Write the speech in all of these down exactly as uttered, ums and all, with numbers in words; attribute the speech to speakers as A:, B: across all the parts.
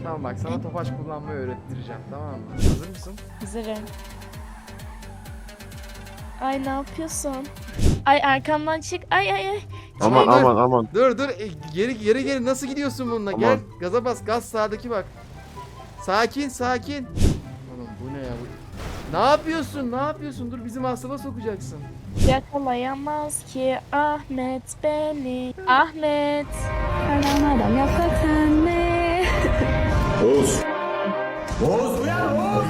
A: Tamam bak sana topaç kullanmayı öğrettireceğim, tamam mı? Hazır mısın?
B: Hazırım. Ay ne yapıyorsun? Ay arkamdan çık. Ay ay ay.
C: Aman
A: Tamam, dur.
C: aman aman.
A: Dur dur e, geri geri geri nasıl gidiyorsun bununla?
C: Aman.
A: Gel gaza bas, gaz sağdaki bak. Sakin sakin. Oğlum bu ne ya bu? Ne yapıyorsun? Ne yapıyorsun? Dur bizim hastalığa sokacaksın.
B: Yakalayamaz ki Ahmet beni. Ahmet.
D: Aramadan yapraktan ne?
E: Oğuz. Oğuz uyan Oğuz.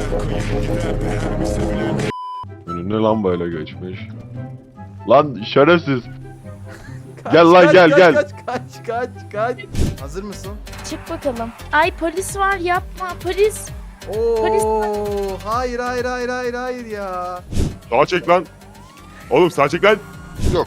C: Önüne lan böyle geçmiş. Lan şerefsiz.
A: Kaç,
C: Gel lan,
A: kaç,
C: gel,
A: kaç,
C: gel.
A: Kaç kaç kaç kaç. Hazır mısın?
B: Çık bakalım. Ay polis var yapma polis.
A: Oo, hayır hayır hayır hayır hayır ya.
C: Sağa çek lan. Oğlum sağa çek lan. Yok.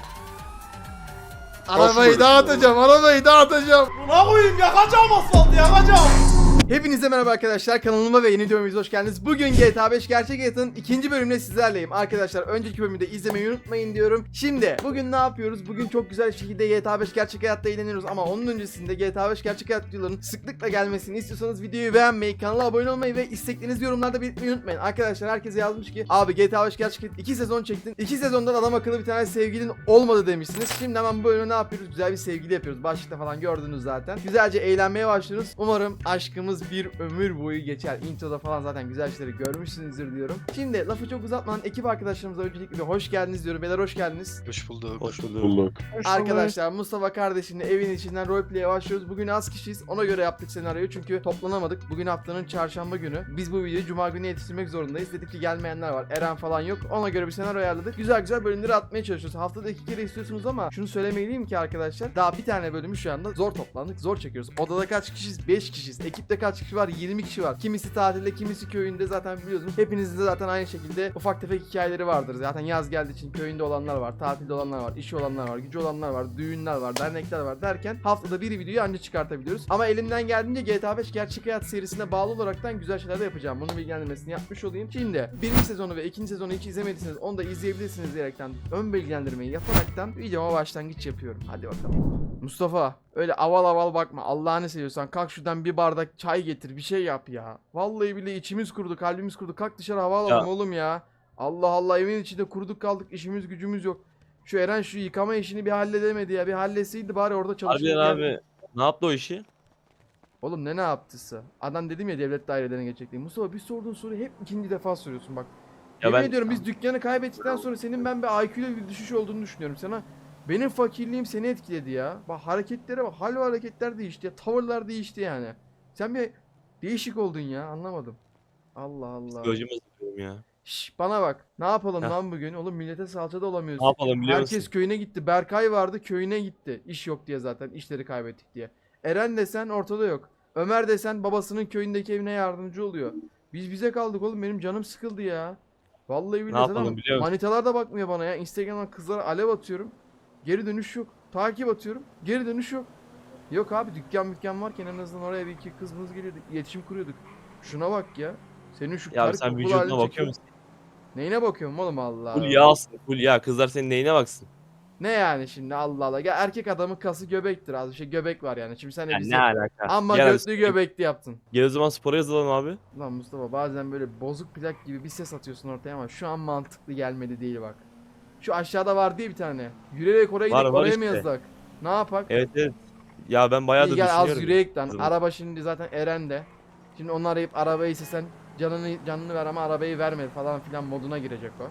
A: Arabayı
C: böyle
A: dağıtacağım, arabayı dağıtacağım.
E: Buna koyayım yakacağım asfaltı yakacağım.
A: Hepinize merhaba arkadaşlar, kanalıma ve yeni videomuza hoş geldiniz. Bugün G T A beş Gerçek Hayat'ın ikinci bölümüyle sizlerleyim. Arkadaşlar önceki bölümü de izlemeyi unutmayın diyorum. Şimdi bugün ne yapıyoruz? Bugün çok güzel bir şekilde G T A beş Gerçek Hayat'ta eğleniyoruz. Ama onun öncesinde G T A beş Gerçek Hayat videolarının sıklıkla gelmesini istiyorsanız videoyu beğenmeyi, kanala abone olmayı ve isteklerinizi yorumlarda belirtmeyi unutmayın. Arkadaşlar herkese yazmış ki abi G T A beş Gerçek Hayat iki sezon çektin. iki sezondan adam akıllı bir tane sevgilin olmadı demişsiniz. Şimdi hemen bu bölümde ne yapıyoruz? Güzel bir sevgili yapıyoruz. Başlıkta falan gördünüz zaten. Güzelce eğlenmeye başlıyoruz. Umarım aşkımız bir ömür boyu geçer. Introda falan zaten güzel şeyleri görmüşsünüzdür diyorum. Şimdi lafı çok uzatmadan ekip arkadaşlarımıza öncelikle bir hoş geldiniz diyorum. Beyler hoş geldiniz.
F: Hoş bulduk.
C: Hoş bulduk.
A: Arkadaşlar Mustafa kardeşimle evin içinden roleplay'e başlıyoruz. Bugün az kişiyiz. Ona göre yaptık senaryoyu çünkü toplanamadık. Bugün haftanın çarşamba günü. Biz bu videoyu cuma günü yetiştirmek zorundayız. Dedik ki gelmeyenler var. Eren falan yok. Ona göre bir senaryo ayarladık. Güzel güzel bölümleri atmaya çalışıyoruz. Haftada iki kere istiyorsunuz ama şunu söylemeliyim ki arkadaşlar. Daha bir tane bölümü şu anda zor toplandık. Zor çekiyoruz. Odada kaç kişiyiz? beş kişiyiz. Ekipte kaç kişi var? yirmi kişi var. Kimisi tatilde, kimisi köyünde, zaten biliyorsunuz. Hepinizin de zaten aynı şekilde ufak tefek hikayeleri vardır. Zaten yaz geldiği için köyünde olanlar var, tatilde olanlar var, işi olanlar var, gücü olanlar var, düğünler var, dernekler var derken haftada bir videoyu anca çıkartabiliyoruz. Ama elimden geldiğince G T A beş Gerçek Hayat serisine bağlı olaraktan güzel şeyler de yapacağım. Bunun bilgilendirmesini yapmış olayım. Şimdi birinci sezonu ve ikinci sezonu hiç izlemediyseniz onu da izleyebilirsiniz diyerekten ön bilgilendirmeyi yaparaktan videoma başlangıç yapıyorum. Hadi bakalım. Mustafa öyle aval aval bakma. Allah'ını seviyorsan kalk şuradan bir bardak çay getir, bir şey yap ya. Vallahi bile içimiz kurudu, kalbimiz kurudu. Kalk dışarı hava alalım
F: Ya.
A: oğlum ya. Allah Allah, evin içinde kuruduk kaldık, işimiz gücümüz yok. Şu Eren şu yıkama işini bir halledemedi ya. Bir halletseydi bari orada çalışırdı.
F: Harbiden abi. Ne yaptı o işi?
A: Oğlum ne ne yaptısı? Adam dedim ya devlet dairelerine geçecek diye. Mustafa bir sorduğun soruyu hep ikinci defa soruyorsun bak.
F: Ya
A: Yemin
F: ben-
A: ediyorum biz dükkanı kaybettikten sonra senin ben bir I Q'da bir düşüş olduğunu düşünüyorum sana. Benim fakirliğim seni etkiledi ya. Bak hareketlere bak. Hal ve hareketler değişti ya. Tavırlar değişti yani. Sen bir değişik oldun ya. Anlamadım. Allah Allah.
F: Psikolojimi hazırlıyorum ya.
A: Şş, bana bak. Ne yapalım
F: Heh.
A: lan bugün? Oğlum millete salça da olamıyoruz.
F: Ne yapalım biliyor
A: Herkes
F: musun?
A: köyüne gitti. Berkay vardı köyüne gitti. İş yok diye zaten. İşleri kaybettik diye. Eren desen ortada yok. Ömer desen babasının köyündeki evine yardımcı oluyor. Biz bize kaldık oğlum. Benim canım sıkıldı ya. Vallahi billahi
F: yapalım
A: zaten
F: biliyor musun?
A: manitalar da bakmıyor bana ya. Instagram'dan kızlara alev atıyorum. Geri dönüş yok. Takip atıyorum. Geri dönüş yok. Yok abi dükkan mükkan varken en azından oraya bir iki kızımız geliyorduk. İletişim kuruyorduk. Şuna bak ya. Senin şu
F: Ya
A: kar
F: sen
A: kokulu
F: vücuduna
A: halini
F: bakıyor
A: çekiyorum.
F: musun?
A: Neyine bakıyorum oğlum Allah
F: Full
A: Allah.
F: yağsın. Full yağ. Kızlar senin neyine baksın?
A: Ne yani şimdi Allah Allah. Ya erkek adamın kası göbektir az bir şey göbek var yani. Şimdi sen de
F: Ya
A: bize
F: ne alaka?
A: amma
F: Gel,
A: götlü göbekli yaptın.
F: Gel o zaman spora yazılalım abi.
A: Lan Mustafa bazen böyle bozuk plak gibi bir ses atıyorsun ortaya ama şu an mantıklı gelmedi değil bak. Şu aşağıda var diye bir tane. Yürüyerek oraya
F: Var,
A: gidip
F: var
A: oraya mı
F: işte.
A: yazdık? Ne yapak?
F: Evet evet. Ya ben bayağıdır
A: İyi gel az
F: düşünüyorum.
A: yürüyek lan.
F: Kızım.
A: Araba şimdi zaten Eren'de. Şimdi onu arayıp arabayı istesen canını canını ver ama arabayı verme falan filan moduna girecek o.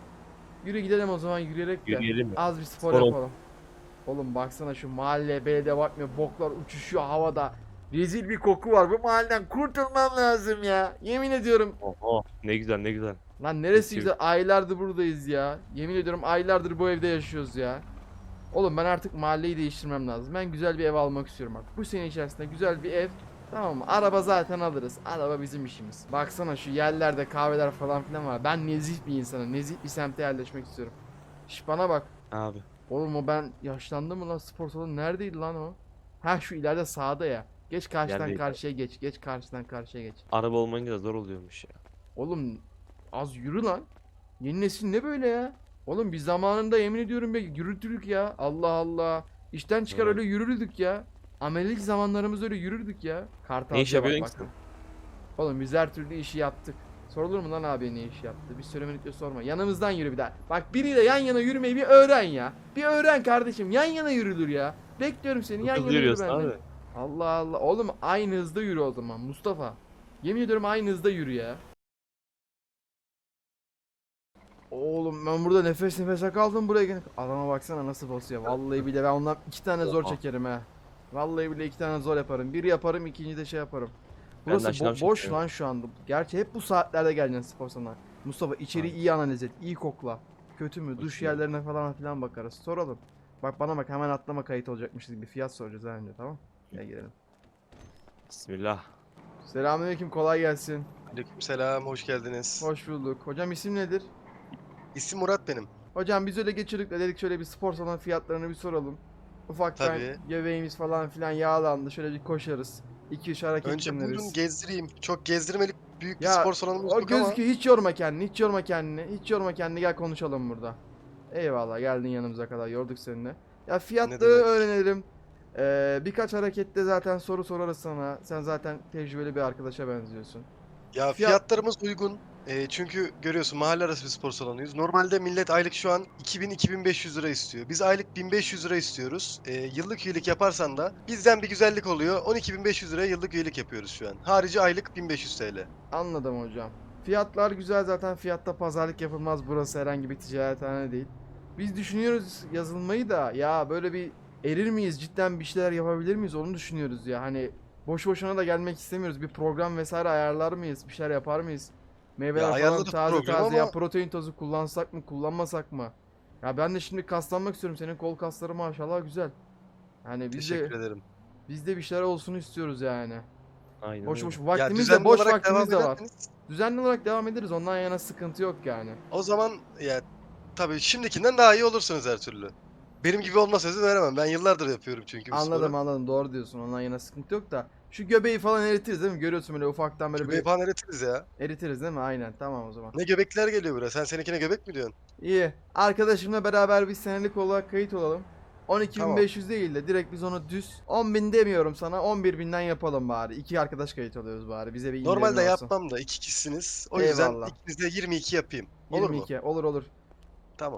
A: Yürü gidelim o zaman yürüyerek de.
F: Yürüyelim mi?
A: Az bir spor,
F: Spor ol-
A: yapalım. Oğlum baksana şu mahalle belediye bakmıyor. Boklar uçuşuyor havada. Rezil bir koku var. Bu mahalleden kurtulmam lazım ya. Yemin ediyorum.
F: Oho. Ne güzel ne güzel.
A: Lan neresi
F: Peki.
A: güzel. Aylardır buradayız ya. Yemin ediyorum aylardır bu evde yaşıyoruz ya. Oğlum ben artık mahalleyi değiştirmem lazım. Ben güzel bir ev almak istiyorum bak. Bu sene içerisinde güzel bir ev. Tamam mı? Araba zaten alırız. Araba bizim işimiz. Baksana şu yerlerde kahveler falan filan var. Ben nezih bir insanım. Nezih bir semte yerleşmek istiyorum. Şş bana bak.
F: Abi.
A: Oğlum o ben yaşlandım mı lan, spor salonu neredeydi lan o? Ha şu ileride sağda ya. Geç karşıdan
F: Yerdeydi.
A: karşıya geç. Geç karşıdan karşıya geç.
F: Araba olmayınca da zor oluyormuş ya.
A: Oğlum az yürü lan. Yeni nesil ne böyle ya? Oğlum biz zamanında yemin ediyorum be yürütürük ya. Allah Allah. İşten çıkar
F: Evet.
A: öyle yürürdük ya. Amelilik zamanlarımız öyle yürürdük ya. Kartalcıya
F: Ne iş
A: bak
F: yapıyorsun
A: bak.
F: ki
A: Oğlum biz her türlü işi yaptık. Sorulur mu lan abi ne iş yaptı? Bir söylemedik de sorma. Yanımızdan yürü bir daha. Bak biriyle yan yana yürümeyi bir öğren ya. Bir öğren kardeşim. Yan yana yürülür ya. Bekliyorum seni.
F: Çok
A: Yan
F: hızlı
A: yana yürü
F: yürüyorsun
A: benimle.
F: abi.
A: Allah Allah. Oğlum aynı hızda yürü o zaman Mustafa. Yemin ediyorum aynı hızda yürü ya. Oğlum ben burada nefes nefese kaldım buraya gene. Adama baksana nasıl basıyor. Vallahi bile ben ondan iki tane zor
F: Oha.
A: çekerim ha. Vallahi bile iki tane zor yaparım. Biri yaparım, ikinci de şey yaparım.
F: Ben
A: Burası
F: de
A: bo-
F: şınav
A: boş
F: çekiyorum.
A: lan şu anda. Gerçi hep bu saatlerde geleceksin spor salonuna. Mustafa içeri
F: Aynen.
A: iyi analiz et, iyi kokla. Kötü mü? Duş
F: Bakıyorum.
A: yerlerine falan filan bakarız. Soralım. Bak bana bak hemen atlama kayıt olacakmışız gibi fiyat soracağız ha önce tamam? Gel gelelim.
F: Bismillah.
A: Selamünaleyküm kolay gelsin.
G: Aleykümselam, hoş geldiniz.
A: Hoş bulduk. Hocam isim nedir?
G: İsim Murat benim.
A: Hocam biz öyle geçirdik de dedik şöyle bir spor salonu fiyatlarını bir soralım. Ufaktan
G: Tabii.
A: göbeğimiz falan filan yağlandı. Şöyle bir koşarız. iki üç hareket
G: Önce buyurun
A: dinleriz.
G: gezdireyim. Çok gezdirmelik büyük bir
A: Ya,
G: spor salonumuz
A: O
G: yok ama.
A: gözüküyor hiç yorma kendini. Hiç yorma kendini. Hiç yorma kendini. Gel konuşalım burada. Eyvallah geldin yanımıza kadar. Yorduk seninle. Ya fiyatları
G: demek.
A: öğrenelim. Ee, birkaç harekette zaten soru sorarız sana. Sen zaten tecrübeli bir arkadaşa benziyorsun.
G: Ya
A: Fiyat-
G: fiyatlarımız uygun. Ee, çünkü görüyorsun mahalle arası bir spor salonuyuz. Normalde millet aylık şu an iki bin iki bin beş yüz lira istiyor. Biz aylık bin beş yüz lira istiyoruz. Ee, yıllık üyelik yaparsan da bizden bir güzellik oluyor. on iki bin beş yüz liraya yıllık üyelik yapıyoruz şu an. Harici aylık bin beş yüz T L.
A: Anladım hocam. Fiyatlar güzel zaten fiyatta pazarlık yapılmaz burası herhangi bir ticarethane değil. Biz düşünüyoruz yazılmayı da ya böyle bir erir miyiz cidden bir şeyler yapabilir miyiz onu düşünüyoruz ya hani boş boşuna da gelmek istemiyoruz bir program vesaire ayarlar mıyız bir şeyler yapar mıyız? Meyveler falan
G: ayarladık
A: taze
G: programı
A: taze ya
G: ama-
A: protein tozu kullansak mı kullanmasak mı? Ya ben de şimdi kaslanmak istiyorum senin kol kasları maşallah güzel. Hani biz de,
G: Teşekkür ederim.
A: biz de bir şeyler olsun istiyoruz yani.
F: Aynen
A: Boş
F: öyle.
A: boş
G: Ya
A: vaktimiz
G: düzenli
A: de boş
G: olarak
A: vaktimiz de
G: devam
A: var.
G: ederseniz,
A: Düzenli olarak devam ederiz. Ondan yana sıkıntı yok yani.
G: o zaman ya tabii şimdikinden daha iyi olursunuz her türlü. Benim gibi olma sözü veremem. Ben yıllardır yapıyorum çünkü bu
A: Anladım
G: sporu.
A: anladım. Doğru diyorsun. Ondan yana sıkıntı yok da. Şu göbeği falan eritiriz değil mi? Görüyorsun böyle ufaktan böyle
G: Göbeği
A: bir
G: falan eritiriz ya.
A: eritiriz değil mi? Aynen. Tamam o zaman.
G: Ne göbekler geliyor buraya. Sen seninkine göbek mi diyorsun?
A: İyi. Arkadaşımla beraber bir senelik olarak kayıt olalım. on iki bin beş yüz değil de direkt biz onu düz on bin demiyorum sana on bir binden yapalım bari. İki arkadaş kayıt alıyoruz bari. Bize bir indirim
G: Normalde
A: olsun.
G: yapmam da iki kişisiniz. O yüzden
A: Eyvallah.
G: ikinize yirmi iki yapayım. Olur mu?
A: yirmi iki. Olur olur.
G: Tamam.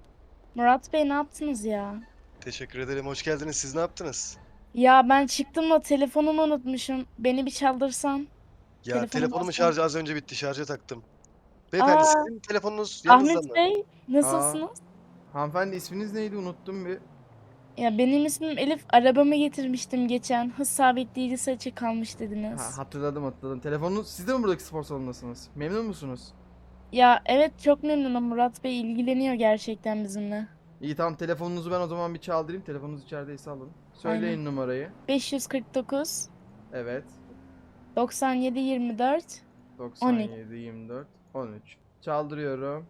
B: Murat Bey ne yaptınız ya?
G: Teşekkür ederim. Hoş geldiniz. Siz ne yaptınız?
B: Ya ben çıktım da telefonumu unutmuşum. Beni bir çaldırsan.
G: Ya
B: Telefonu
G: telefonumun
B: bassana.
G: şarjı az önce bitti. Şarja taktım. Beyefendi
B: Aa,
G: sizin telefonunuz yanınızda
B: Ahmet
G: mı?
B: Bey nasılsınız?
A: Hanımefendi isminiz neydi? Unuttum bir.
B: Ya benim ismim Elif. Arabamı getirmiştim geçen. Hız sabitleyicisi açık kalmış dediniz.
A: Ha, hatırladım hatırladım. Telefonunuz siz de mi buradaki spor salonundasınız? Memnun musunuz?
B: Ya evet çok memnunum. Murat Bey ilgileniyor gerçekten bizimle.
A: İyi tamam telefonunuzu ben o zaman bir çaldırayım. Telefonunuz içerideyse alın. Söyleyin
B: Aynen.
A: numarayı.
B: beş yüz kırk dokuz
A: Evet.
B: doksan yedi yirmi dört.
A: doksan yedi yirmi dört on üç. Çaldırıyorum.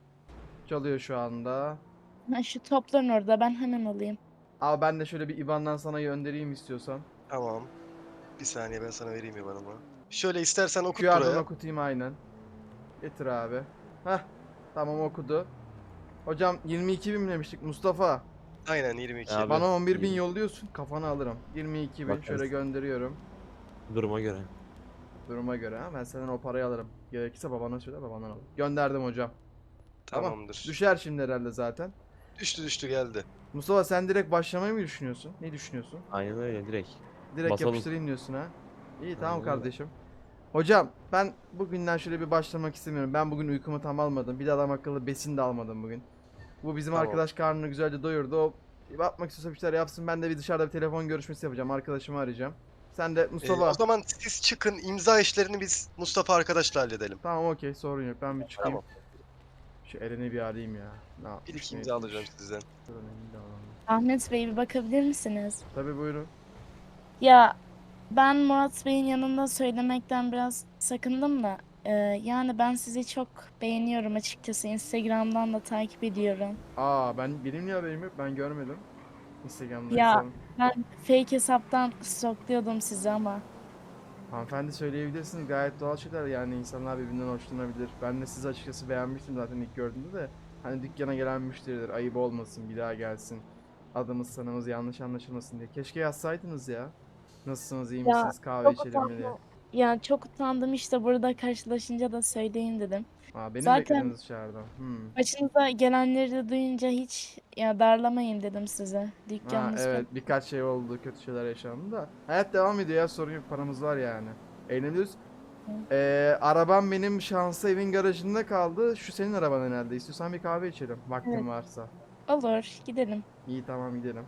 A: Çalıyor şu anda.
B: Ha, şu topların orada ben hemen alayım.
A: Abi ben de şöyle bir I B A N'dan sana göndereyim istiyorsan.
G: Tamam. Bir saniye ben sana vereyim ya bana. Şöyle istersen okut
A: Q R'dan
G: buraya.
A: okutayım aynen. Getir abi. Heh. Tamam okudu. Hocam yirmi iki bin demiştik Mustafa.
G: Aynen yirmi iki.
F: Abi.
A: Bana on bir bin
F: iyi.
A: yolluyorsun. Kafanı alırım. yirmi iki bin
F: Bakarız.
A: şöyle gönderiyorum.
F: Duruma göre.
A: Duruma göre ha. Ben senden o parayı alırım. Gerekirse babana söyle babandan al. Gönderdim hocam. Tamam.
G: Tamamdır.
A: Düşer şimdi herhalde zaten.
G: Düştü düştü geldi.
A: Mustafa sen direkt başlamayı mı düşünüyorsun? Ne düşünüyorsun?
F: Aynen öyle direkt.
A: Direkt
F: Basalım.
A: yapıştırayım diyorsun ha. İyi tamam
F: Aynen öyle.
A: kardeşim. Hocam ben bugünden şöyle bir başlamak istemiyorum. Ben bugün uykumu tam almadım. Bir de adam akıllı besin de almadım bugün. Bu bizim
G: Tamam.
A: arkadaş karnını güzelce doyurdu. O bir bakmak istiyorsa bir şeyler yapsın. Ben de bir dışarıda bir telefon görüşmesi yapacağım. Arkadaşımı arayacağım. Sen de
G: Ee,
A: Mustafa.
G: o zaman siz çıkın, imza işlerini biz Mustafa arkadaşla halledelim.
A: Tamam okey sorun yok. Ben bir çıkayım.
G: Tamam.
A: Şu Eren'i bir arayayım ya. Ne yapmış,
G: İlk
A: ne
G: imza
A: etmiş?
G: alacağım sizden.
A: Dur, Eren'i de alalım.
B: Ahmet Bey bir bakabilir misiniz?
A: Tabii buyurun.
B: Ya ben Murat Bey'in yanında söylemekten biraz sakındım da e, yani ben sizi çok beğeniyorum açıkçası. Instagram'dan da takip ediyorum.
A: Aa ben benim niye haberim yok? Ben görmedim. Instagram'da
B: Ya.
A: hesabım.
B: Ben fake hesaptan stalklıyordum sizi ama.
A: Hanımefendi söyleyebilirsiniz gayet doğal şeyler yani insanlar birbirinden hoşlanabilir. Ben de sizi açıkçası beğenmiştim zaten ilk gördüğümde de. Hani dükkana gelen müşteridir ayıp olmasın bir daha gelsin. Adımız sanımız yanlış anlaşılmasın diye. Keşke yazsaydınız ya. Nasılsınız, iyi
B: Ya,
A: misiniz, kahve
B: çok
A: içelim mi diye.
B: utandım. Ya çok utandım işte burada karşılaşınca da söyleyeyim dedim.
A: Aa, beni
B: Zaten-
A: beklediniz dışarıda. Hmm.
B: Başınıza gelenleri de duyunca hiç ya darlamayın dedim size.
A: Ha,
B: Dükkanınız
A: evet, birkaç şey oldu, kötü şeyler yaşandı da. Hayat devam ediyor ya, sorun yok, paramız var yani. Eğleniyoruz. Ee, arabam benim şansa evin garajında kaldı. Şu senin araban herhalde. İstiyorsan bir kahve içelim, vaktin
B: Evet.
A: varsa.
B: Olur, gidelim.
A: İyi, tamam, gidelim.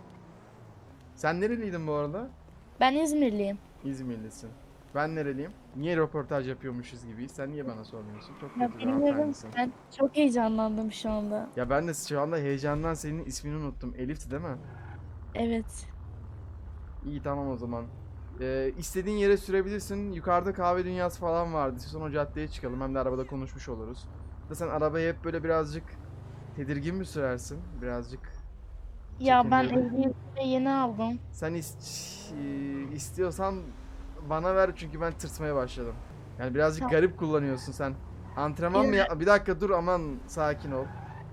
A: Sen nereliydin bu arada?
B: Ben İzmirliyim.
A: İzmirlisin. Ben nereliyim? Niye röportaj yapıyormuşuz gibi? Sen niye bana sormuyorsun? Çok
B: Ya
A: kötü bir
B: bilmiyorum,
A: hanımefendisin.
B: ben çok heyecanlandım şu anda.
A: Ya ben de şu anda heyecandan senin ismini unuttum. Elif'ti değil mi?
B: Evet.
A: İyi, tamam o zaman. Ee, istediğin yere sürebilirsin. Yukarıda kahve dünyası falan vardı. İstiyorsan o caddeye çıkalım. Hem de arabada konuşmuş oluruz. Da sen arabayı hep böyle birazcık tedirgin mi sürersin? Birazcık.
B: Ya ben
A: Çekimli.
B: ehliyetimi yeni aldım.
A: Sen is- e, istiyorsan bana ver, çünkü ben tırsmaya başladım. Yani birazcık
B: Tamam.
A: garip kullanıyorsun sen. Antrenman mı ya? Bir dakika dur, aman sakin ol.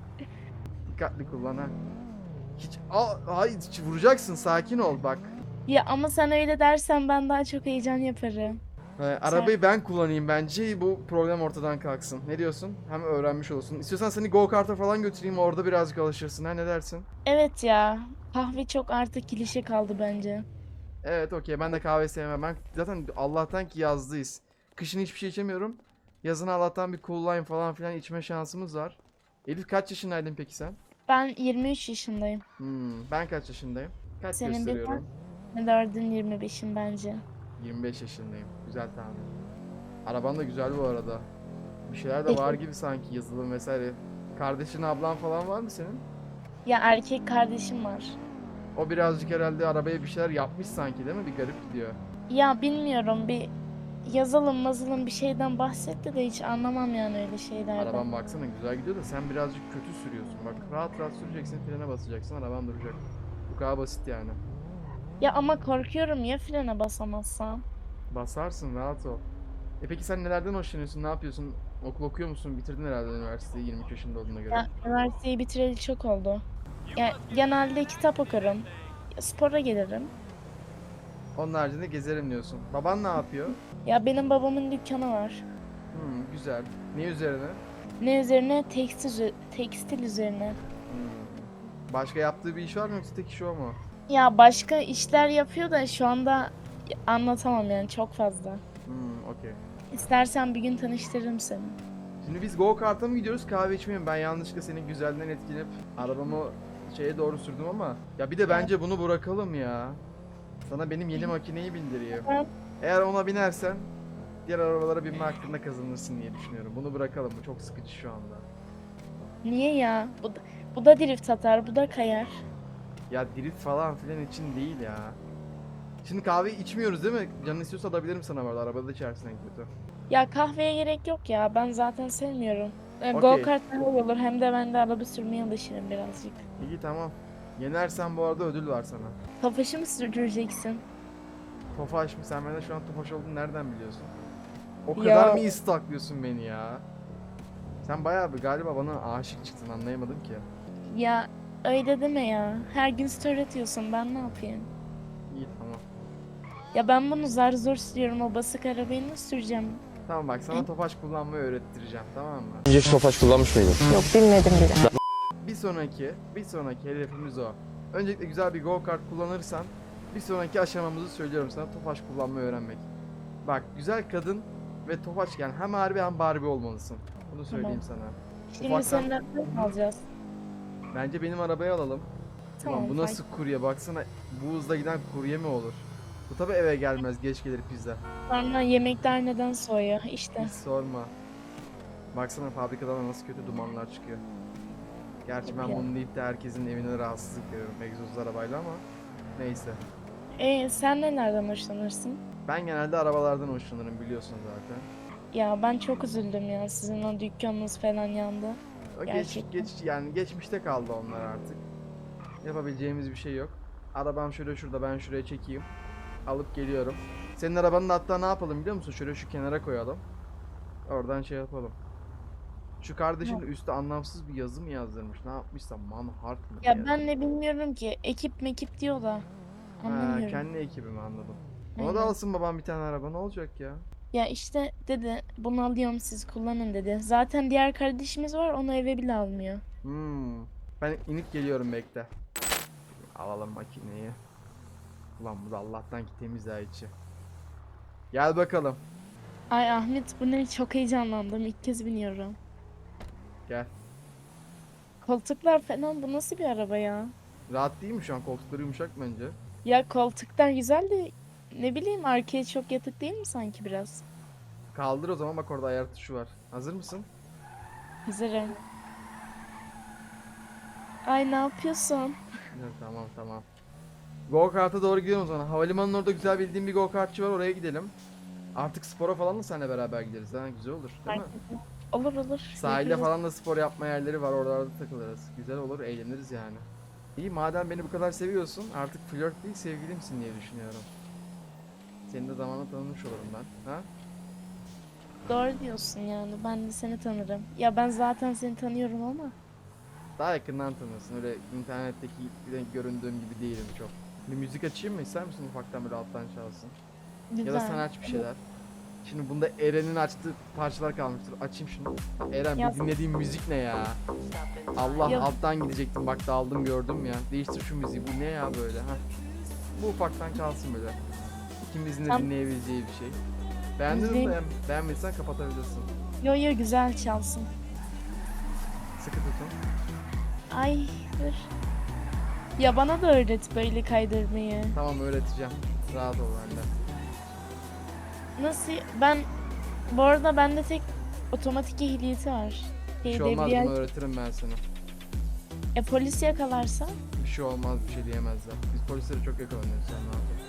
A: Dikkatli kullan ha. Hiç Aa, hayır, hiç vuracaksın, sakin ol bak.
B: Ya ama sen öyle dersen ben daha çok heyecan yaparım.
A: Ee, arabayı ben kullanayım bence, bu problem ortadan kalksın. Ne diyorsun? Hem öğrenmiş olursun. İstiyorsan seni go kart'a falan götüreyim, orada birazcık alışırsın. Ha, ne dersin?
B: Evet ya. Kahve çok artık klişe kaldı bence.
A: Evet, okey, ben de kahve sevmem. Ben zaten Allah'tan ki yazdayız. Kışın hiçbir şey içemiyorum. Yazın Allah'tan bir cool lime falan filan içme şansımız var. Elif, kaç yaşındaydın peki sen?
B: Ben yirmi üç yaşındayım.
A: Hmm, ben kaç yaşındayım? Kaç
B: Senin
A: gösteriyorum?
B: Dördün yirmi beşim bence.
A: yirmi beş yaşındayım. Güzel tahmin. Araban da güzel bu arada. Bir şeyler de
B: Peki.
A: var gibi sanki, yazılım vesaire. Kardeşin, ablan falan var mı senin?
B: Ya erkek kardeşim var.
A: O birazcık herhalde arabaya bir şeyler yapmış sanki, değil mi? Bir garip gidiyor.
B: Ya bilmiyorum, bir yazılım mazılım bir şeyden bahsetti de hiç anlamam yani öyle şeylerden.
A: Araban baksana güzel gidiyor da sen birazcık kötü sürüyorsun. Bak, rahat rahat süreceksin, frene basacaksın, araban duracak. Bu kadar basit yani.
B: Ya ama korkuyorum ya frene basamazsam.
A: Basarsın, rahat ol. E peki sen nelerden hoşlanıyorsun? Ne yapıyorsun? Okul okuyor musun? Bitirdin herhalde üniversiteyi yirmi üç yaşında olduğuna göre.
B: Ya üniversiteyi bitireli çok oldu. Ya genelde kitap okurum. Ya, spora gelirim.
A: Onun haricinde gezerim diyorsun. Baban ne yapıyor?
B: Ya benim babamın dükkanı var.
A: Hmm, güzel. Ne üzerine?
B: Ne üzerine? Tekstil, tekstil üzerine.
A: Hmm. Başka yaptığı bir iş var mı, yoksa tek işi o mu?
B: Ya başka işler yapıyor da şu anda anlatamam yani, çok fazla.
A: Hmm, okey.
B: İstersen bir gün tanıştırırım seni.
A: Şimdi biz go kart'a mı gidiyoruz, kahve içmeye mi? Ben yanlışlıkla senin güzelliğinden etkilenip arabamı şeye doğru sürdüm ama. Ya bir de bence bunu bırakalım ya. Sana benim yeni makineyi bindireyim.
B: Evet.
A: Eğer ona binersen diğer arabalara binme hakkında kazanırsın diye düşünüyorum. Bunu bırakalım, bu çok sıkıcı şu anda.
B: Niye ya? Bu da, bu da drift atar, bu da kayar.
A: Ya drift falan filan için değil ya. Şimdi kahve içmiyoruz değil mi? Canın istiyorsa alabilirim sana, vardı arabada içersin en kötü.
B: Ya kahveye gerek yok ya. Ben zaten sevmiyorum. E,
A: Okey.
B: Go kart daha iyi olur. Hem de ben de araba sürmeye alışırım birazcık.
A: İyi, tamam. Yenersen bu arada ödül var sana.
B: Tofaşı mı sürdüreceksin?
A: Tofaş mı? Sen benden şu an Tofaş olduğunu nereden biliyorsun? O
B: Ya.
A: kadar mı istaklıyorsun beni ya? Sen bayağı bir galiba bana aşık çıktın, anlayamadım ki.
B: Ya öyle deme ya. Her gün story atıyorsun. Ben ne yapayım?
A: İyi, tamam.
B: Ya ben bunu zar zor sürüyorum. O basık arabayı nasıl süreceğim?
A: Tamam bak, sana Tofaş kullanmayı öğrettireceğim, tamam mı?
F: Önce hiç Tofaş kullanmış mıydın?
D: Yok bilmedim bile.
A: Bir sonraki, bir sonraki hedefimiz o. Öncelikle güzel bir go kart kullanırsan bir sonraki aşamamızı söylüyorum sana, Tofaş kullanmayı öğrenmek. Bak, güzel kadın ve Tofaş, yani hem Harbi hem Barbie olmalısın. Bunu söyleyeyim sana.
B: Şimdi
A: Ufaktan-
B: senin arabayı mı alacağız?
A: Bence benim arabayı alalım.
B: Tamam.
A: Ulan bu nasıl kurye, baksana, bu hızla giden kurye mi olur? Bu tabi eve gelmez, geç gelir pizza.
B: Sonra yemekler neden soğuyor? İşte.
A: Hiç sorma. Baksana fabrikadan nasıl kötü dumanlar çıkıyor. Gerçi ben
B: Ya.
A: bunu deyip de herkesin evine rahatsızlık veriyorum egzozlu arabayla ama neyse.
B: E sen nelerden hoşlanırsın?
A: Ben genelde arabalardan hoşlanırım, biliyorsun zaten.
B: Ya ben çok üzüldüm ya. Sizin o dükkanınız falan yandı.
A: O geç,
B: Gerçekten.
A: geç, yani geçmişte kaldı onlar artık. Yapabileceğimiz bir şey yok. Arabam şöyle şurada, ben şuraya çekeyim. Alıp geliyorum. Senin arabanın da hatta ne yapalım biliyor musun? Şöyle şu kenara koyalım. Oradan şey yapalım. Şu kardeşin de üstte anlamsız bir yazı mı yazdırmış? Ne yapmışsa Manhart mı?
B: Ya
A: diye.
B: ben ne bilmiyorum ki. Ekip mekip diyor da.
A: Ha,
B: Anlamıyorum.
A: kendi ekibimi anladım. Ona
B: Aynen.
A: da alsın babam bir tane araba, ne olacak ya?
B: Ya işte dedi bunu alıyorum siz kullanın dedi. Zaten diğer kardeşimiz var onu eve bile almıyor.
A: Hmm. Ben inip geliyorum, bekle. Alalım makineyi. Ulan bu da Allah'tan ki temiz ha içi. Gel bakalım.
B: Ay Ahmet bu ne çok heyecanlandım ilk kez biniyorum.
A: Gel.
B: Koltuklar falan bu nasıl bir araba ya?
A: Rahat değil mi şu an? Koltukları yumuşak bence.
B: Ya koltuklar güzel de ne bileyim arkaya çok yatık değil mi sanki biraz?
A: Kaldır o zaman, bak orada ayar tuşu var. Hazır mısın?
B: Hazırım. Ay ne yapıyorsun?
A: Evet, tamam tamam. Go kart'a doğru gidelim o zaman. Havalimanının orada güzel bildiğim bir go kartçı var, oraya gidelim. Artık spora falan da seninle beraber gideriz ha, güzel olur değil mi?
B: Olur olur.
A: Sahilde
B: yaparız.
A: falan da spor yapma yerleri var, oralarda takılırız. Güzel olur, eğleniriz yani. İyi, madem beni bu kadar seviyorsun artık flört değil sevgilimsin diye düşünüyorum. Senin de zamanla tanımış olurum ben. Ha?
B: Doğru diyorsun yani ben de seni tanırım. Ya ben zaten seni tanıyorum ama.
A: Daha yakından tanırsın, öyle internetteki göründüğüm gibi değilim çok. Bir müzik açayım mı, ister misin ufaktan böyle alttan çalsın?
B: Güzel.
A: Ya da sen aç bir şeyler. Şimdi bunda Eren'in açtığı parçalar kalmıştır. Açayım şunu. Eren
B: Ya-
A: bu dinlediğim müzik ne ya? Allah,
B: Ya-
A: alttan gidecektim bak, daldım gördüm ya. Değiştir şu müziği, bu ne ya böyle ha? Bu ufaktan kalsın böyle. İkimizin de
B: Tam-
A: dinleyebileceği bir şey. Beğendin mi?
B: Müziğin-
A: Beğen beğenmediysen kapatabilirsin.
B: Yo yo güzel çalsın.
A: Sıkı tutun.
B: Ay dur. Ya bana da öğret böyle kaydırmayı.
A: Tamam, öğreteceğim. Rahat ol benden.
B: Nasıl? Ben bu arada bende tek otomatik ehliyeti var.
A: Bir şey
B: Şey,
A: olmaz,
B: debriyaj-
A: bunu öğretirim ben sana.
B: E polis yakalarsa?
A: Bir şey olmaz, bir şey diyemezler. Biz polislere çok yakalanıyoruz, sen rahat ol.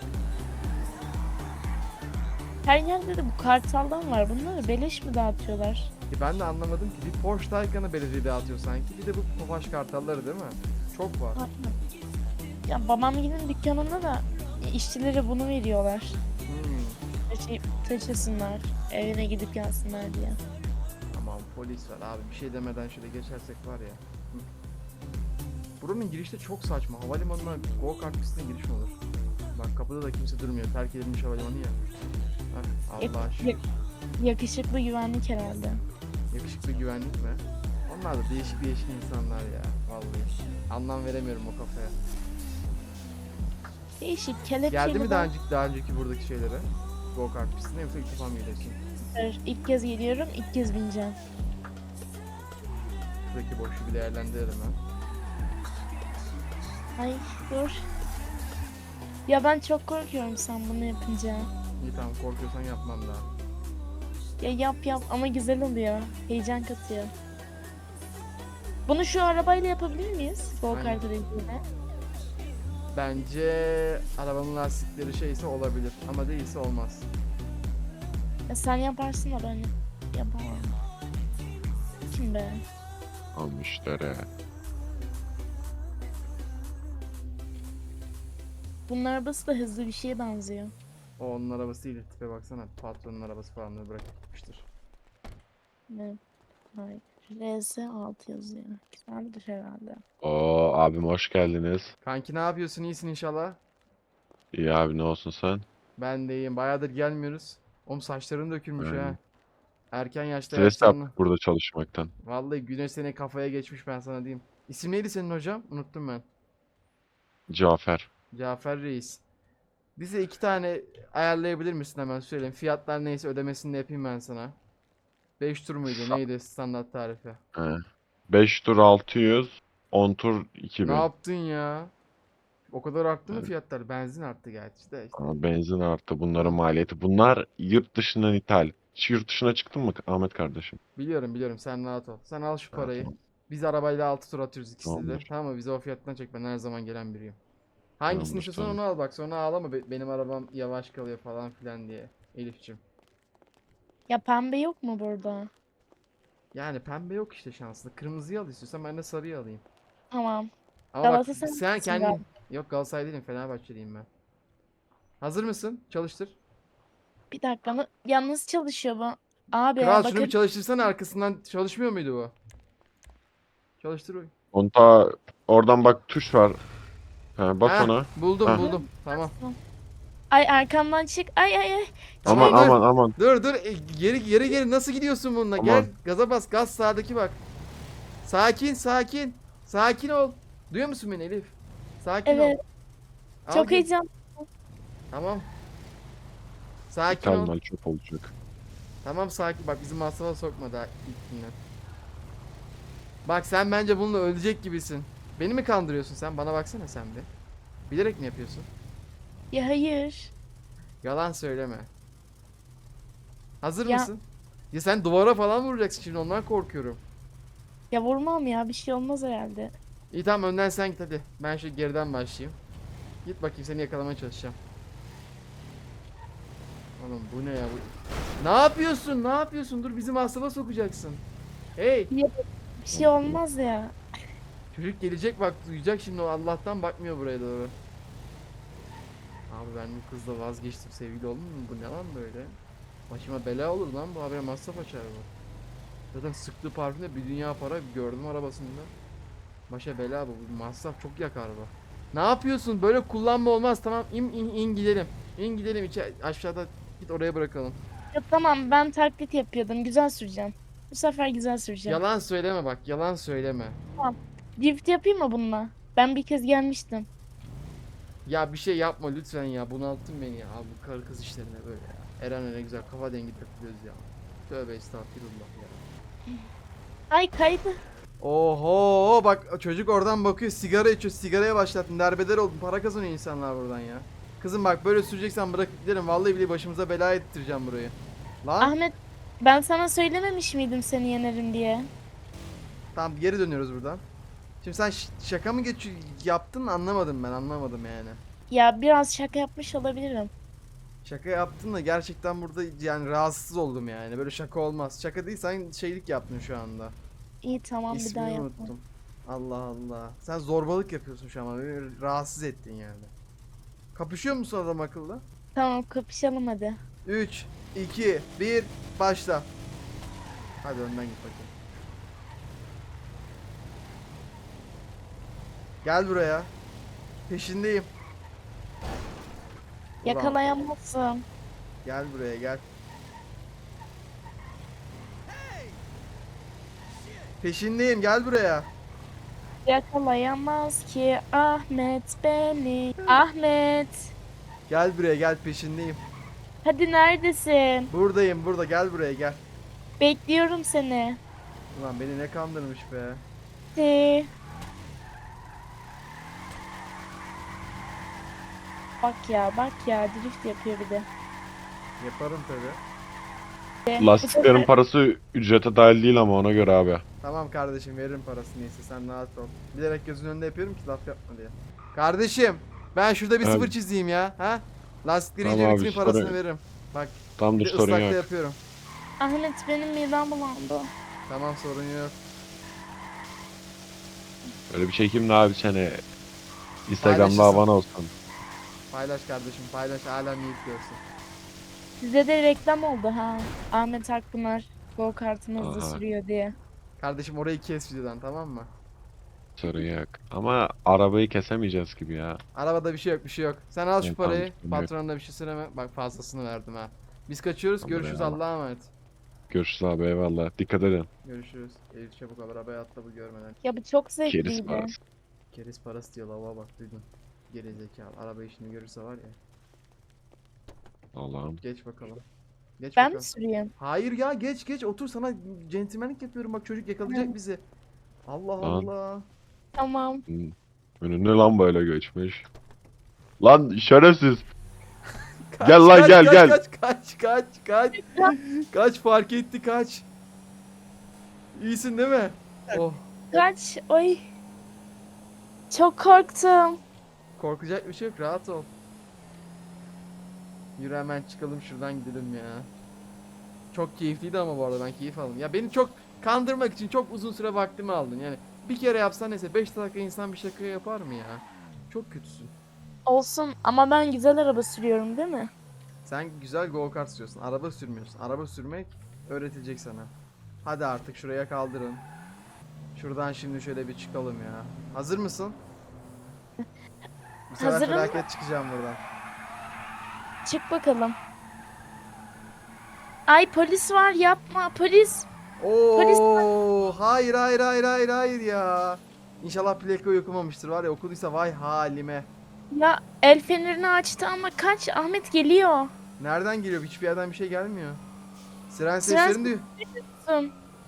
B: Her yerde de bu kartaldan var. Bunları beleş mi dağıtıyorlar?
A: Ki ben de anlamadım ki, bir Porsche Taycan'ı belediye dağıtıyor sanki. Bir de bu Tofaş kartalları değil mi? Çok var.
B: Aynen. Ya babamgilin dükkanında da işçilere bunu veriyorlar.
A: Hmm.
B: Taşı, taşısınlar. Evine gidip gelsinler diye.
A: Aman polis var abi, bir şey demeden şöyle geçersek var ya. Hı. Buranın girişte çok saçma. Havalimanına go kart pistine giriş mi olur? Bak kapıda da kimse durmuyor. Terk edilmiş havalimanı ya. Heh,
B: Yak-
A: Allah şükür.
B: yak- yakışıklı güvenlik herhalde.
A: Yakışıklı güvenlik mi? Onlar da değişik değişik insanlar ya. Vallahi. Anlam veremiyorum o kafaya.
B: Değişik kelepçeli.
A: Geldi mi
B: de-
A: daha önceki, daha önceki buradaki şeylere? Go kart pistine, yoksa ilk defa mı geliyorsun?
B: Hayır, İlk kez geliyorum, ilk kez bineceğim.
A: Buradaki boşluğu bir değerlendirelim ha.
B: Ay dur. Ya ben çok korkuyorum sen bunu yapınca.
A: İyi tamam, korkuyorsan yapmam daha.
B: Ya yap yap ama güzel oluyor. Heyecan katıyor. Bunu şu arabayla yapabilir miyiz? Go
A: Aynen.
B: kart aracıyla.
A: Bence arabanın lastikleri şeyse olabilir ama değilse olmaz.
B: Ya sen yaparsın da ben yapamam. Kim be?
C: Almışlar ha.
B: Bunun arabası da hızlı bir şeye benziyor.
A: O onun arabası değil, tipe baksana, patronun arabası falan da bırakıp gitmiştir.
B: Ne? Hayır. R S altı yazıyor. Güzeldir herhalde.
C: Oo abim hoş geldiniz.
A: Kanki ne yapıyorsun, iyisin inşallah?
C: İyi abi ne olsun sen?
A: Ben de iyiyim, bayağıdır gelmiyoruz. Oğlum saçların dökülmüş ha.
C: Aynen.
A: Erken yaşta
C: Stres
A: yaşlanma.
C: yaptık burada çalışmaktan.
A: Vallahi güneş seni kafaya geçmiş, ben sana diyeyim. İsim neydi senin hocam? Unuttum ben.
C: Cafer.
A: Cafer Reis. Bize iki tane ayarlayabilir misin, hemen söyleyeyim. Fiyatlar neyse ödemesini de yapayım ben sana. beş tur muydu neydi standart tarifi?
C: He. beş tur altı yüz, on tur
A: Ne
C: iki bin.
A: yaptın ya? O kadar arttı mı
C: Evet.
A: fiyatlar? Benzin arttı gerçi de işte.
C: Ama benzin arttı bunların maliyeti. Bunlar yurt dışından ithal. Hiç yurt dışına çıktın mı Ahmet kardeşim?
A: Biliyorum biliyorum, sen rahat ol. Sen al şu
C: Ha,
A: parayı.
C: tamam.
A: Biz arabayla altı tur atıyoruz ikisi de.
C: Tamamdır.
A: Tamam mı? Bize o fiyattan çek, ben her zaman gelen biriyim. Hangisini
C: Tamamdır,
A: istiyorsan onu
C: tamam.
A: al bak, sonra ağlama be- benim arabam yavaş kalıyor falan filan diye. Elifçim.
B: Ya pembe yok mu burada?
A: Yani pembe yok işte şanslı. Kırmızıyı al istiyorsan, ben de sarıyı alayım.
B: Tamam.
A: Ama bak
B: Galatasaray
A: sen
B: mısın
A: kendin...
B: galiba?
A: Yok Galatasaray değilim, Fenerbahçeliyim ben. Hazır mısın? Çalıştır.
B: Bir dakika. na- Ya nasıl çalışıyor bu? Abi ya
A: Kral şunu
B: bakın
A: bir çalıştırsana, arkasından çalışmıyor muydu bu? Çalıştır bakayım.
C: Konta oradan bak tuş var. Ha, bas
A: Heh,
C: ona.
A: buldum
C: Heh.
A: buldum. Tamam.
B: ay arkamdan çık. Ay ay ay.
C: Aman
A: Tamam, dur.
C: aman aman.
A: Dur dur e, geri geri geri nasıl gidiyorsun bununla?
C: Aman.
A: Gel gaza bas, gaz sağdaki bak. Sakin sakin. Sakin ol. Duyuyor musun beni Elif? Sakin
B: Evet.
A: ol. Al
B: Çok
A: gel.
B: heyecan.
A: Tamam. Sakin
C: İthal
A: ol.
C: mal çöp olacak.
A: Tamam sakin, bak bizi masrafa sokma daha ilk günden. Bak sen bence bununla ölecek gibisin. Beni mi kandırıyorsun sen? Bana baksana sen bir. Bilerek mi yapıyorsun?
B: Ya hayır.
A: Yalan söyleme. Hazır
B: Ya-
A: mısın? Ya sen duvara falan vuracaksın şimdi, ondan korkuyorum.
B: Ya vurmam ya, bir şey olmaz herhalde.
A: İyi tamam, önden sen git hadi. Ben şu geriden başlayayım. Git bakayım, seni yakalamaya çalışacağım. Oğlum bu ne ya bu? Ne yapıyorsun? Ne yapıyorsun? Dur, bizi masrafa sokacaksın. Hey!
B: Bir şey olmaz ya.
A: Çocuk gelecek bak, duyacak şimdi, o Allah'tan bakmıyor buraya doğru. Abi ben bu kızla vazgeçtim, sevgili oldum mu? Bu ne lan böyle? Başıma bela olur lan bu, habire masraf açar bu. Zaten sıktığı parfümde bir dünya para gördüm arabasında. Başa bela bu, bu masraf çok yakar bu. Ne yapıyorsun? Böyle kullanma olmaz, tamam in in, in gidelim. İn gidelim içe, aşağıda git, oraya bırakalım.
B: Ya tamam, ben taklit yapıyordum. Güzel süreceğim. Bu sefer güzel süreceğim.
A: Yalan söyleme bak, yalan söyleme.
B: Drift yapayım mı bununla? Ben bir kez gelmiştim.
A: Ya bir şey yapma lütfen ya, bunalttın beni ya. Abi bu karı kız işlerine böyle ya. Eren'le ne güzel kafa dengi takılıyoruz ya. Tövbe estağfirullah ya.
B: Ay kaydı.
A: Oho bak, çocuk oradan bakıyor, sigara içiyor, sigaraya başlattın, derbeder oldun, para kazanıyor insanlar buradan ya. Kızım bak, böyle süreceksen bırakıp gidelim, vallahi bile başımıza bela ettireceğim burayı. Lan
B: Ahmet, ben sana söylememiş miydim seni yenerim diye?
A: tamam, geri dönüyoruz buradan. Şimdi sen ş- şaka mı geç yaptın, anlamadım ben, anlamadım yani.
B: Ya biraz şaka yapmış olabilirim.
A: Şaka yaptın da gerçekten burada yani rahatsız oldum yani, böyle şaka olmaz. Şaka değil, sen şeylik yaptın şu anda.
B: İyi tamam, bir daha
A: İsmini
B: yapma.
A: unuttum. Allah Allah. Sen zorbalık yapıyorsun şu an, beni rahatsız ettin yani. Kapışıyor musun adam akıllı?
B: Tamam, kapışalım hadi.
A: üç, iki, bir, başla. Hadi önden git bakayım. Gel buraya. Peşindeyim. Ulan,
B: Yakalayamazsın.
A: gel buraya gel. Peşindeyim, gel buraya.
B: Yakalayamaz ki Ahmet beni. Ahmet.
A: Gel buraya gel, peşindeyim.
B: Hadi neredesin?
A: Buradayım burada, gel buraya gel.
B: Bekliyorum seni.
A: Ulan beni ne kandırmış be.
B: Hadi. Bak ya, bak ya, drift yapıyor bir de.
A: Yaparım tabi.
B: Bu
C: Lastiklerin
B: sefer-
C: parası ücrete dahil değil ama ona göre abi.
A: Tamam kardeşim, veririm parasını, neyse sen rahat ol. Bilerek gözünün önünde yapıyorum ki laf yapma diye. Kardeşim ben şurada bir
C: Evet.
A: sıfır çizeyim ya. Ha? Lastikleri
C: Tamam
A: iyice
C: abi,
A: bitireyim,
C: sorun
A: parasını
C: yok.
A: veririm. Bak
C: Tam
A: bir
C: dur
A: de
C: sorun
A: ıslakta
C: yok.
A: yapıyorum.
B: Ahmet, benim midem bulandı.
A: Tamam, sorun yok.
C: Böyle bir çekeyim de abi seni. Instagram'da
A: Paylaşırsın.
C: havan olsun.
A: Paylaş kardeşim, paylaş, alem yiğit görsün.
B: Size de reklam oldu ha. Ahmet Akpınar go kartını hızlı
C: Aha.
B: sürüyor diye.
A: Kardeşim orayı kes videodan, tamam mı?
C: Sorun yok. Ama arabayı kesemeyeceğiz gibi ya.
A: Arabada bir şey yok, bir şey yok. Sen al şu
C: Evet, tamam,
A: parayı.
C: sorun yok.
A: Patronuna bir şey söyleme. Bak fazlasını verdim ha. Biz kaçıyoruz.
C: Tamam,
A: Görüşürüz,
C: eyvallah.
A: Allah'a emanet.
C: Görüşürüz abi, eyvallah. Dikkat edin.
A: Görüşürüz. Elif çabuk al, arabaya atla, bu görmeden.
B: Ya bu çok
C: Keriz
B: zevkliydi.
C: parası.
A: Keriz parası diyor, lava bak, duydun. Geri zekalı. Araba işini görürse var ya.
C: Allah'ım.
A: Geç bakalım. Geç
B: Ben
A: bakalım.
B: mi süreyim?
A: Hayır ya, geç geç otur, sana centilmenlik yapıyorum, bak çocuk yakalayacak
B: Hı.
A: bizi. Allah
C: Lan.
A: Allah.
B: Tamam.
C: Hmm. Önüne lan böyle geçmiş. Lan şerefsiz.
A: Kaç,
C: Gel lan,
A: kaç,
C: gel,
A: kaç,
C: gel.
A: Kaç kaç kaç kaç. Kaç, fark etti, kaç. İyisin değil mi? Oh,
B: Kaç. Oy. Çok korktum.
A: korkacak bir şey yok, rahat ol. Yürü hemen çıkalım şuradan, gidelim ya. Çok keyifliydi ama bu arada, ben keyif aldım. Ya beni çok kandırmak için çok uzun süre vaktimi aldın yani. Bir kere yapsan neyse, beş dakika insan bir şaka yapar mı ya? Çok kötüsün.
B: Olsun ama ben güzel araba sürüyorum değil mi?
A: Sen Sen güzel go kart sürüyorsun. Araba sürmüyorsun. Araba sürmek öğretilecek sana. Hadi artık şuraya kaldırın. Şuradan şimdi şöyle bir çıkalım ya. Hazır mısın? Bu sefer
B: Hazırım.
A: felaket çıkacağım buradan.
B: Çık bakalım. Ay polis var yapma polis.
A: Oo, hayır hayır hayır hayır hayır ya. İnşallah plakayı okumamıştır var ya, okuduysa vay halime.
B: Ya el fenerini açtı ama kaç, Ahmet geliyor.
A: Nereden geliyor? Hiçbir yerden bir şey gelmiyor. Siren
B: Siren
A: seslerini duy.
B: Sus.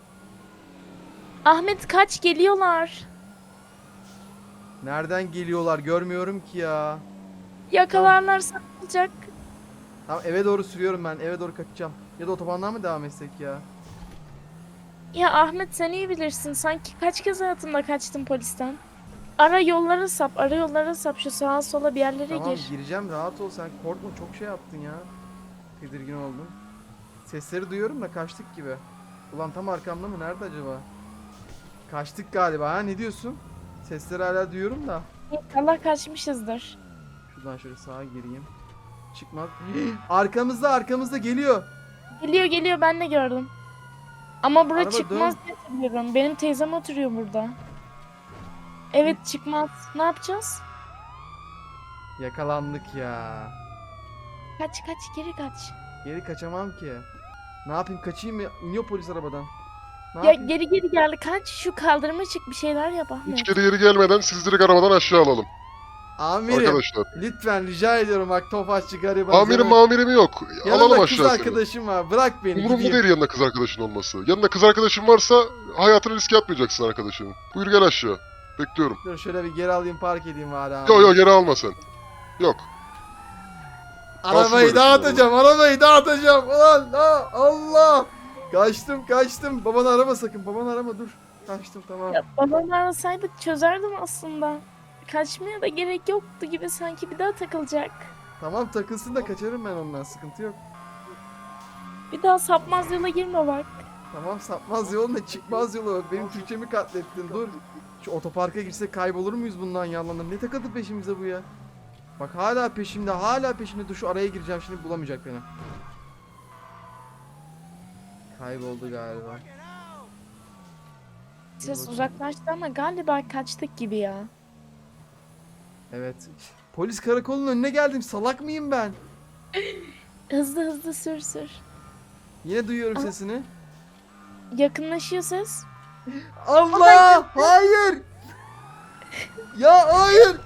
B: Ahmet kaç, geliyorlar.
A: Nereden geliyorlar? Görmüyorum ki ya.
B: Yakalarlarsa ne olacak?
A: Tamam, eve doğru sürüyorum ben. Eve doğru kaçacağım. Ya da otobandan mı devam etsek ya?
B: Ya Ahmet sen iyi bilirsin. Sanki kaç kez hayatımda kaçtım polisten. Ara yollara sap, ara yollara sap. Şu sağa sola bir yerlere
A: Tamam
B: gir.
A: gireceğim, rahat ol sen. Korkma, çok şey yaptın ya. Tedirgin oldum. Sesleri duyuyorum da kaçtık gibi. Ulan tam arkamda mı? Nerede acaba? Kaçtık galiba ha, ne diyorsun? Sesleri hala duyuyorum da.
B: Allah kaçmışızdır.
A: Şuradan şöyle sağa gireyim. Çıkmaz. Arkamızda arkamızda geliyor.
B: Geliyor geliyor, ben de gördüm. Ama bura
A: Araba
B: çıkmaz
A: dön.
B: diye hatırlıyorum. Benim teyzem oturuyor burada. Evet çıkmaz. Ne yapacağız?
A: Yakalandık ya.
B: Kaç kaç, geri kaç.
A: Geri kaçamam ki. Ne yapayım, kaçayım mı? İniyor polis arabadan. Ne
B: Ya
A: yapayım?
B: geri geri gel, kaç. Şu kaldırıma çık, bir şeyler yap Ahmet.
H: Hiç geri geri gelmeden siz direkt arabadan aşağı alalım.
A: Amirim
H: Arkadaşlar.
A: lütfen rica ediyorum, bak Tofaşçı gariban.
H: Amirim mamirim yok.
A: Yanımda
H: Alalım
A: kız
H: aşağı seni.
A: arkadaşım var, bırak beni
H: Umurumda
A: gideyim.
H: değil yanında kız arkadaşın olması. Yanında kız arkadaşın varsa hayatını riske atmayacaksın arkadaşının. Buyur gel aşağı. Bekliyorum.
A: Dur şöyle bir geri alayım, park edeyim bari abi.
H: Yo yo geri alma sen. Yok.
A: Arabayı
H: böyle
A: dağıtacağım, arabayı dağıtacağım. Ulan aa, Allah. Kaçtım kaçtım. Babanı arama sakın, babanı arama, dur. Kaçtım, tamam.
B: Ya babamı arasaydık çözerdim aslında. Kaçmaya da gerek yoktu gibi, sanki bir daha takılacak.
A: Tamam takılsın da kaçarım ben ondan, sıkıntı yok.
B: Bir daha sapmaz yola girme bak.
A: Tamam, sapmaz yol ne, çıkmaz yolu. Benim Türkçemi katlettin, dur. Şu otoparka girsek kaybolur muyuz bundan yalanlar? Ne takıldı peşimize bu ya? Bak hala peşimde, hala peşimde. Dur şu araya gireceğim şimdi, bulamayacak beni. Kayboldu galiba.
B: Ses
A: bakayım.
B: uzaklaştı ama galiba kaçtık gibi ya.
A: Evet. Polis karakolunun önüne geldim. Salak mıyım ben?
B: Hızlı hızlı sür sür.
A: Yine duyuyorum
B: Aa.
A: sesini.
B: Yakınlaşıyor ses.
A: Allah! Hayır! Ya hayır!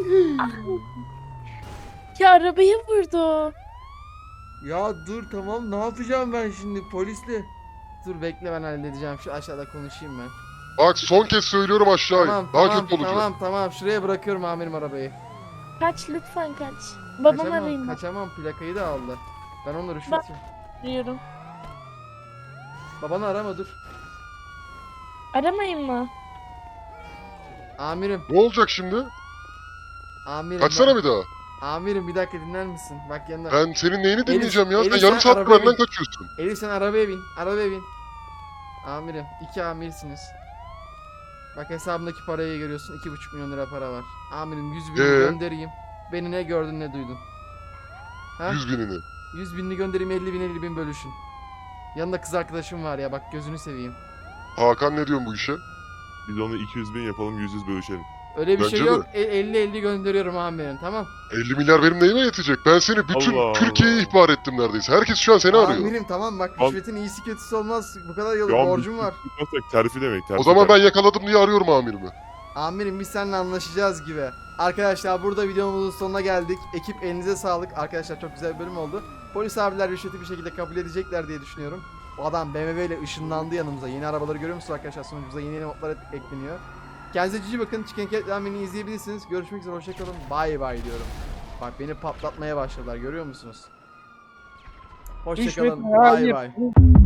B: Ya arabaya vurdu.
A: Ya dur tamam, ne yapacağım ben şimdi polisle? Dur bekle, ben halledeceğim. Şu aşağıda konuşayım ben.
H: Bak son kez söylüyorum aşağı in.
A: Tamam
H: Daha
A: tamam
H: kötü olacak.
A: tamam tamam, şuraya bırakıyorum amirim arabayı.
B: Kaç lütfen kaç. Babamı
A: Kaçamam,
B: arayayım ben.
A: kaçamam, plakayı da aldı. Ben onu rüşvetçim.
B: Arıyorum.
A: Babanı arama, dur.
B: Aramayın mı?
A: Amirim,
H: Ne olacak şimdi?
A: amirim.
H: Kaçsana
A: bak-
H: bir daha.
A: Amirim bir dakika dinler misin? Bak yanında.
H: Ben senin neyini dinleyeceğim ya?
A: Elif,
H: Sen
A: sen
H: yarım saattir
A: arabaya
H: benden
A: bin.
H: kaçıyorsun.
A: Elif sen arabaya bin, arabaya bin. Amirim, iki amirsiniz. Bak hesabımdaki parayı görüyorsun, iki buçuk milyon lira para var. Amirim yüz bin
H: Ee?
A: göndereyim. Beni ne gördün ne duydun? Ha?
H: Yüz binini.
A: yüz binini göndereyim, elli bin elli bin bölüşün. Yanında kız arkadaşım var ya, bak gözünü seveyim.
H: Hakan ne diyorsun bu işe?
I: Biz onu iki yüz bin yapalım, yüz yüz bölüşelim.
A: Öyle bir
H: Bence
A: şey
H: de.
A: yok. E- elli elli gönderiyorum amirim, tamam.
H: elli milyar benim neyime yetecek? Ben seni bütün
I: Allah
H: Türkiye'yi
I: Allah.
H: ihbar ettim neredeyse. Herkes şu an seni arıyor.
A: Amirim tamam, bak
I: Al-
A: rüşvetin iyisi kötüsü olmaz. Bu kadar yıl
I: Ya
A: borcum var.
I: Tutmasak terfi demek. Terfi
H: O zaman ben
I: terfi.
H: yakaladım diye arıyorum amirimi.
A: Amirim biz seninle anlaşacağız gibi. Arkadaşlar burada videomuzun sonuna geldik. Ekip elinize sağlık. Arkadaşlar çok güzel bir bölüm oldu. Polis abiler rüşveti bir şekilde kabul edecekler diye düşünüyorum. O adam B M W ile ışınlandı yanımıza. Yeni arabaları görüyor musunuz arkadaşlar? Sonucumuza yeni yeni modlar ek- ekleniyor. Kendinize cici bakın. Chicken Cat Ramen'i izleyebilirsiniz. Görüşmek üzere. Hoşçakalın. Bye bye diyorum. Bak beni patlatmaya başladılar. Görüyor musunuz? Hoşçakalın. Bye bye.